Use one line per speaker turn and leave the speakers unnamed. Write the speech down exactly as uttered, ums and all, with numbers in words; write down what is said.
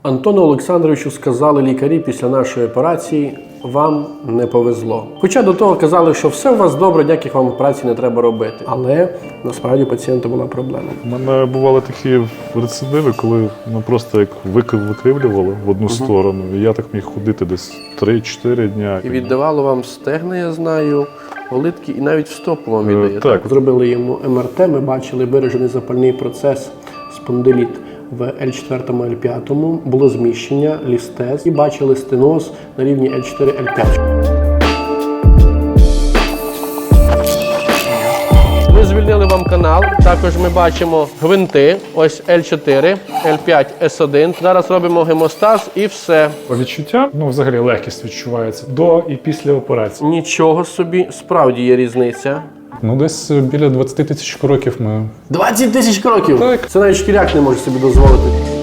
Антону Олександровичу сказали лікарі після нашої операції: вам не повезло. Хоча до того казали, що все у вас добре, ніяких вам операцій не треба робити. Але насправді у пацієнта була проблема.
У мене бували такі рецидиви, коли ну, просто як викривлювало в одну uh-huh. сторону. І я так міг ходити десь три-чотири дня.
І віддавало вам стегна, я знаю, олитки, і навіть в стопу вам віддає.
Uh, так.
Зробили йому ем ер те, ми бачили виражений запальний процес, спондиліт в ель чотири - ель п'ять, було зміщення, лістез і бачили стеноз на рівні ель чотири - ель п'ять. Ми звільнили вам канал, також ми бачимо гвинти, ось ель чотири, ель п'ять, ес один. Зараз робимо гемостаз і все.
По відчуттям, ну взагалі легкість відчувається до і після операції.
Нічого собі, справді є різниця.
Ну десь біля двадцяти тисяч кроків ми...
двадцять тисяч кроків?
Так.
Це навіть шкіряк не може собі дозволити.